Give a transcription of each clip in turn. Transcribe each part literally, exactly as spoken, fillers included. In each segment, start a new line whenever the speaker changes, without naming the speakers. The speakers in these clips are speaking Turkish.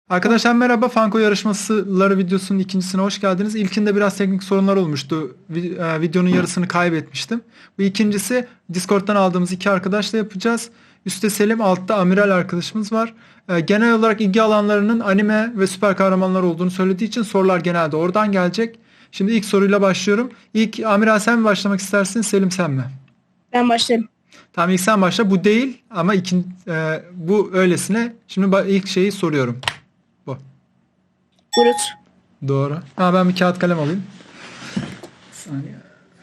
Arkadaşlar merhaba. Fanko yarışmaları videosunun ikincisine hoş geldiniz. İlkinde biraz teknik sorunlar olmuştu. Vi- e, Videonun yarısını kaybetmiştim. Bu ikincisi Discord'dan aldığımız iki arkadaşla yapacağız. Üstte Selim, altta Amiral arkadaşımız var. E, Genel olarak ilgi alanlarının anime ve süper kahramanlar olduğunu söylediği için sorular genelde oradan gelecek. Şimdi ilk soruyla başlıyorum. İlk Amiral sen mi başlamak istersin, Selim sen mi?
Ben başlarım.
Tamam ilk sen başla. Bu değil ama ikin, e, bu öylesine. Şimdi ba- ilk şeyi soruyorum. Bu.
Groot.
Doğru. Ha, ben bir kağıt kalem alayım. Bir saniye.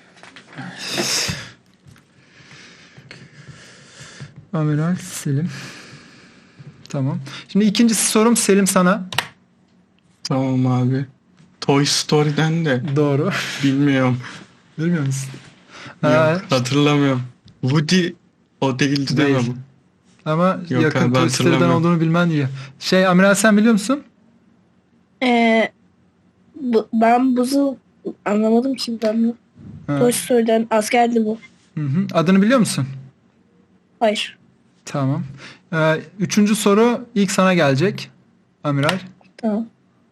Amiral Selim. Tamam. Şimdi ikincisi sorum Selim sana.
Tamam abi. Toy Story'den de
Doğru.
bilmiyorum.
Bilmiyor musun?
Yok,
Ha,
hatırlamıyorum. Woody o değildi değil mi
değil.
bu?
Ama
Yok
yakın
abi,
Toy Story'den
hatırlamıyorum.
olduğunu bilmen iyi. Şey Amiral sen biliyor musun?
Ee, bu, ben buzu anlamadım ki ben bu.
Ha.
Toy Story'den askerdi bu.
Hı hı. Adını biliyor musun?
Hayır.
Tamam. Ee, üçüncü soru ilk sana gelecek. Amiral.
Tamam.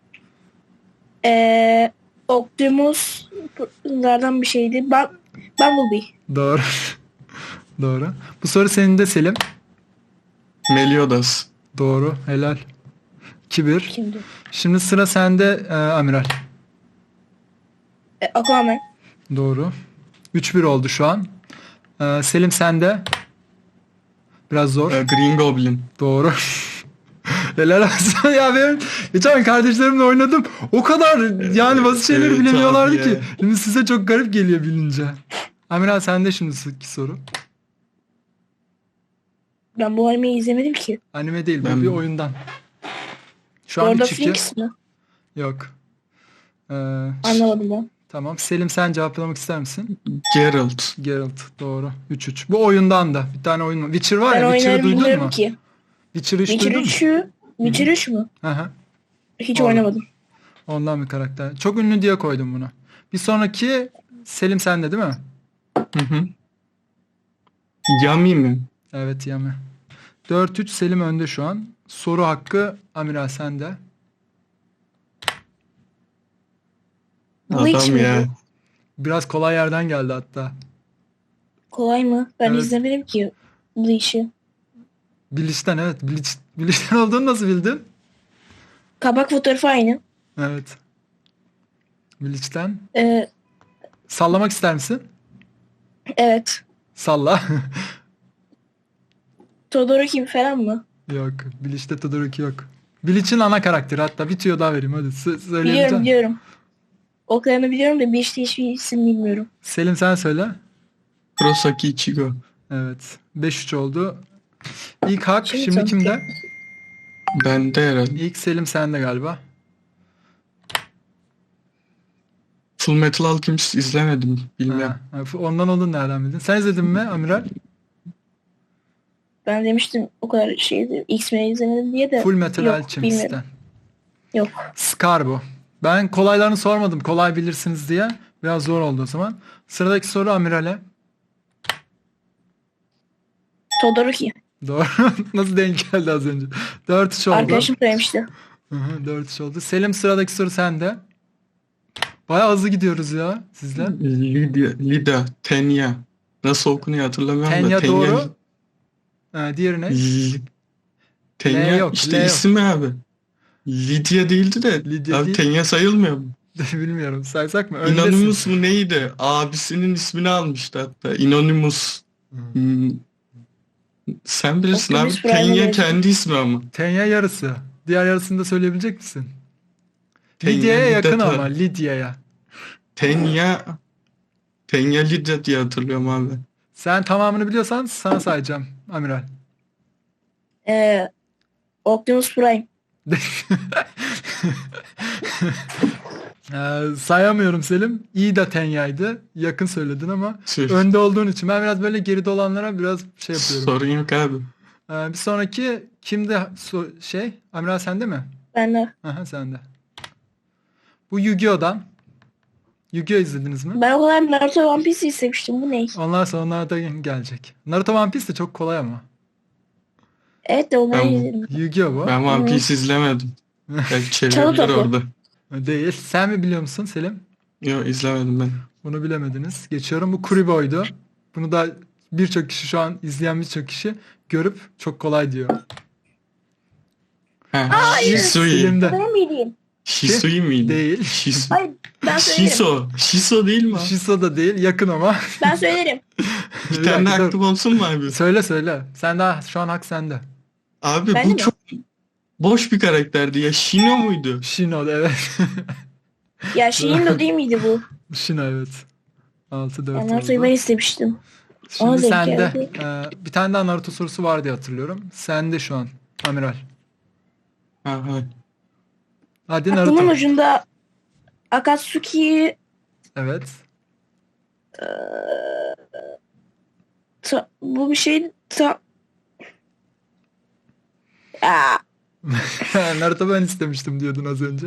Ee, Optimus'lardan bir şeydi. Ben Bumblebee.
Doğru. Doğru. Bu soru senin de Selim.
Meliodas.
Doğru. Helal. iki bir.
Kimdi?
Şimdi sıra sende e, Amiral.
Ee, Aquaman.
Doğru. üç bir oldu şu an. E, Selim sende. Biraz zor.
e, Green Goblin.
Doğru. Helal olsun ya, ben geçen kardeşlerimle oynadım. O kadar yani basit şeyleri
Evet
bilemiyorlardı
abi
ki.
ya.
Şimdi size çok garip geliyor bilince. Amiral sende şimdi ki soru.
Ben bu animeyi izlemedim ki.
Anime değil bu
Ben-
bir oyundan. Şu an
Lord
bir
of
çiftçi.
Rings mi?
Yok. Ee,
Anlamadım ben.
tamam. Selim sen cevaplamak ister misin?
Geralt.
Geralt doğru. üç üç. Bu oyundan da bir tane oyun var. Witcher var
Ben
ya, Witcher'ı
oyunları
duydun
bilmiyorum
mu?
ki.
Witcher'ı hiç
Witcher
duydun mu?
üçü Witcher üç mü?
Hı hı.
Hiç
Doğru.
oynamadım.
Ondan bir karakter. Çok ünlü diye koydum bunu. Bir sonraki Selim sende değil mi?
Hı hı. Yami mi?
Evet Yami. dört üç Selim önde şu an. Soru hakkı Amiral sende.
Bleach
Adam
mi
ya.
bu?
Biraz kolay yerden geldi hatta.
Kolay mı? Ben
Evet.
izlemedim ki Bleach'i.
Bleach'ten evet. Bleach, Bleach'ten olduğunu nasıl bildin?
Kabak fotoğrafı aynı.
Evet. Bleach'ten.
Ee,
Sallamak ister misin?
evet.
Salla.
Todoroki falan mı?
Yok. Bleach'te Todoroki yok. Bleach'in ana karakteri hatta. Bir tüyo daha vereyim hadi. S-
Biliyorum
söyleyebilecek
biliyorum. Oklarını biliyorum da Bleach'te hiçbir isim bilmiyorum.
Selim sen söyle.
Kurosaki Ichigo.
Evet. beş üç oldu. İlk hak
Şimdi
şimdi
tanıtayım.
kimde?
Bende herhalde.
İlk Selim sende galiba.
Full Metal Alchemist izlemedim. Bilmiyorum.
Ha, ha, ondan olduğunu nereden bildin? Sen izledin mi Amiral?
Ben demiştim o kadar şeydi. X-Men izlemedim diye de.
Full Metal
Yok,
Alchemist'ten.
bilmiyorum. Yok.
Scar bu. Ben kolaylarını sormadım. Kolay bilirsiniz diye. Biraz zor oldu o zaman. Sıradaki soru Amiral'e.
Todoroki.
Doğru. Nasıl denk geldi az önce? dört üç oldu.
Arkadaşım söylemişti.
Hı hı, dört üç oldu. Selim sıradaki soru sende. Bayağı hızlı gidiyoruz ya sizle.
Lydia, Lida, Tenya. Nasıl okunuyor hatırlamıyorum
Tenya
da. Tenya,
doğru. Ha, diğeri ne?
L- Tenya
L yok,
işte
L yok.
ismi abi. Lydia değildi de.
Lydia
abi
değil.
Tenya sayılmıyor mu?
Bilmiyorum. Saysak mı? Öndesin.
Inonimus mu neydi? Abisinin ismini almıştı hatta. Inonimus. Hmm. Sen bilirsin
Optimus
abi.
Prime'e
Tenya
benziyor.
kendi ismi ama.
Tenya yarısı. Diğer yarısını da söyleyebilecek misin?
Tenya,
Lidya'ya
Lida
yakın
ta-
ama. Lidya'ya.
Tenya Tenya Lydia diye hatırlıyorum abi.
Sen tamamını biliyorsan sana sayacağım Amiral.
Ee, Optimus Prime.
Ee, sayamıyorum Selim. İyi de Tenya'ydı. Yakın söyledin ama
Tüh.
önde olduğun için ben biraz böyle geride olanlara biraz şey yapıyorum.
Sorun yok abi.
Ee, bir sonraki kimde so- şey? Amiral sende mi?
Ben de.
Aha sende. Bu Yu-Gi-Oh'dan. Yu-Gi-Oh izlediniz mi?
Ben o kadar Naruto One Piece istemiştim. Bu ne?
Onlar sonra onlar da gelecek. Naruto One Piece de çok kolay ama.
Evet de onları
Ben-
izledim.
Yu-Gi-Oh bu.
Ben One
Hı.
Piece izlemedim. Belki
Çalı
çevirilir
topu.
orada.
Değil. Sen mi biliyor musun Selim?
Yok, izlemedim ben.
Bunu bilemediniz. Geçiyorum. Bu Kuribo'ydu. Bunu da birçok kişi, şu an izleyen birçok kişi görüp çok kolay diyor.
Ha, Shisui.
Selim'de.
Ben miydim?
Shisui miydi?
Değil.
Shisu.
Hayır ben söylerim.
Shiso. Shiso değil mi? o?
Shiso da değil. Yakın ama.
Ben söylerim.
Bir tane
dakika, dur.
aklım olsun mu abi?
Söyle söyle. Sen daha şu an hak sende.
Abi
Ben
bu
de mi?
çok boş bir karakterdi ya. Shino muydu?
Shino, evet.
Ya Shindo değil miydi bu?
Shino, evet. altı dört
Ben
oldu.
Naruto'yu ben istemiştim.
Şimdi
Ona denk
sende.
geldi.
Ee, bir tane daha Naruto sorusu var diye hatırlıyorum. Sende şu an. Amiral.
Ha, ha.
Hadi
Aklımın
Naruto.
ucunda Akatsuki
Evet.
ta- bu bir şey ta- Aa,
Naruto ben istemiştim diyordun az önce.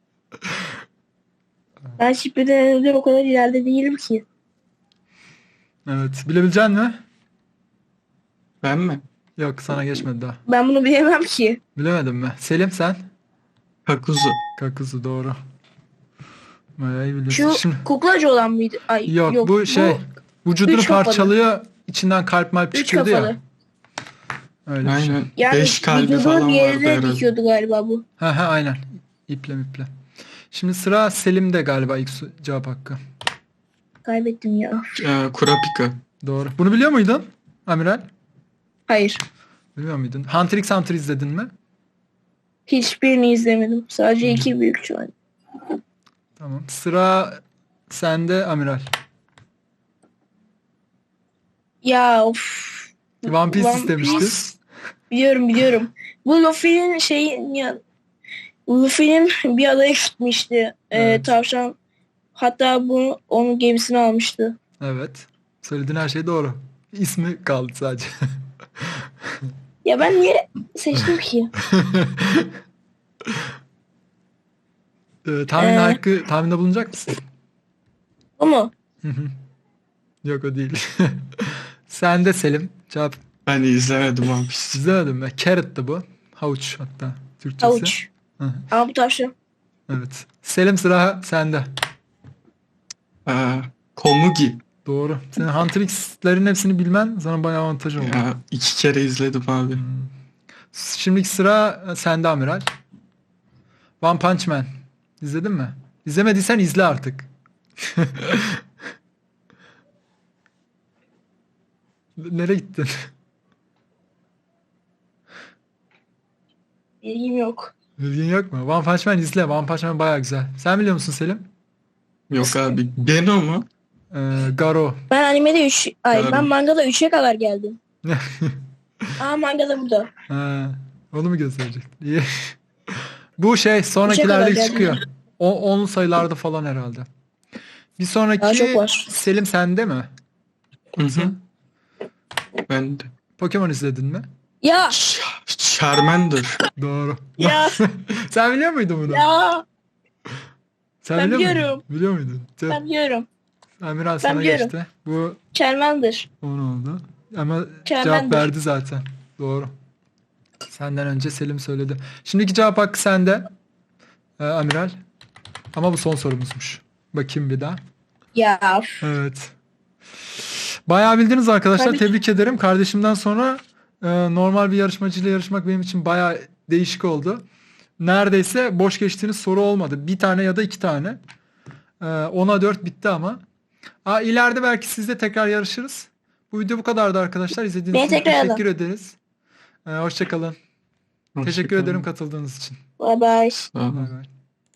ben Shippuden önce o kadar ileride değilim ki.
Evet. Bilebilecek mi?
Ben mi?
Yok, sana geçmedi daha.
Ben bunu bilemem ki.
Bilemedin mi? Selim sen?
Kakuzu.
Kakuzu, doğru. Bayağı iyi biliyorsun.
Şu
Şimdi,
kuklacı olan mıydı? Ay,
yok, bu şey vücudunu
üç kafalı.
parçalıyor, içinden kalp malp
üç
çıkıyordu
kafalı.
ya. Öyle bir şey.
Aynen.
Yani
Beş kalbi
vücudunun
falan
bir
vardı
yerine
herhalde.
dikiyordu galiba bu.
Ha ha, aynen. İple miple. Şimdi sıra Selim'de galiba, ilk su- cevap hakkı.
Kaybettim ya.
Ee, Kurapika.
Doğru. Bunu biliyor muydun Amiral?
Hayır.
Bilmiyor muydun? Hunter x Hunter izledin mi?
Hiçbirini izlemedim. Sadece iki büyük şu an.
Tamam. Sıra sende Amiral.
Ya of.
One Piece
One
istemişti.
Piece. Biliyorum biliyorum. Bu Luffy'nin şey ya Luffy'nin bir adaya gitmişti. Ee,
Evet.
tavşan. Hatta bu onun gemisini almıştı.
Evet. Söylediğin her şey doğru. İsmi kaldı sadece.
Ya ben niye seçtim ki?
Ee, tahmin
Ee?
hakkı, tahminde bulunacak mısın?
O mu?
Hı hı. Yok, o değil. Sen de Selim. Cevap
Ben de izlemedim One Piece.
izlemedin mi? Carrot'tı bu. Havuç hatta Türkçesi.
Havuç.
Hı hı.
Ama bu tavşan.
Evet. Selim, sıra sende.
Ee, Komugi.
Doğru. Senin Hunter X'lerin hepsini bilmen sana bayağı avantaj oldu.
Ya, iki kere izledim abi.
Şimdiki sıra sende Amiral. One Punch Man. İzledin mi? İzlemediysen izle artık. Nereye gittin?
Bilgim yok.
Bilgin yok mu? One Punch Man izle. One Punch Man bayağı güzel. Sen biliyor musun Selim?
Yok abi. Geno mu?
Ee, Garo.
Ben animede üç ay
Yarın.
ben mangada üçe kadar geldim. Aa mangada burada.
Ha, onu mu gösterecek? İyi. Bu şey
kadar
sonrakilerde
geldim
çıkıyor. O on sayılarda falan herhalde. Bir sonraki
Daha çok var.
Selim sende mi?
Hı hı. Ben de.
Pokemon izledin mi?
Ya
Ch- Charmander.
Doğru.
ya
Sen biliyor muydun bunu?
ya
Sen
ben
biliyor muydun?
biliyorum.
Biliyor muydun? Tüh.
ben biliyorum.
Amiral sana
biliyorum.
geçti. Bu
Charmander.
on oldu. Ama cevap
Charmander.
verdi zaten. Doğru. Senden önce Selim söyledi. Şimdiki cevap hakkı sende. Ee, Amiral. Ama bu son sorumuzmuş. Bakayım bir daha.
Ya
Evet. Bayağı bildiniz arkadaşlar.
Tabii ki.
Tebrik ederim. Kardeşimden sonra e, normal bir yarışmacıyla yarışmak benim için bayağı değişik oldu. Neredeyse boş geçtiğiniz soru olmadı. Bir tane ya da iki tane. E, ona dört bitti ama. Aa, ileride belki sizle tekrar yarışırız. Bu video bu kadardı arkadaşlar. İzlediğiniz
Beni
için
tekrar alın.
teşekkür ederiz. E, hoşça kalın. Teşekkür
Hoşçakalın.
ederim katıldığınız için.
bye bye.
Sağ olun.
Bay bay.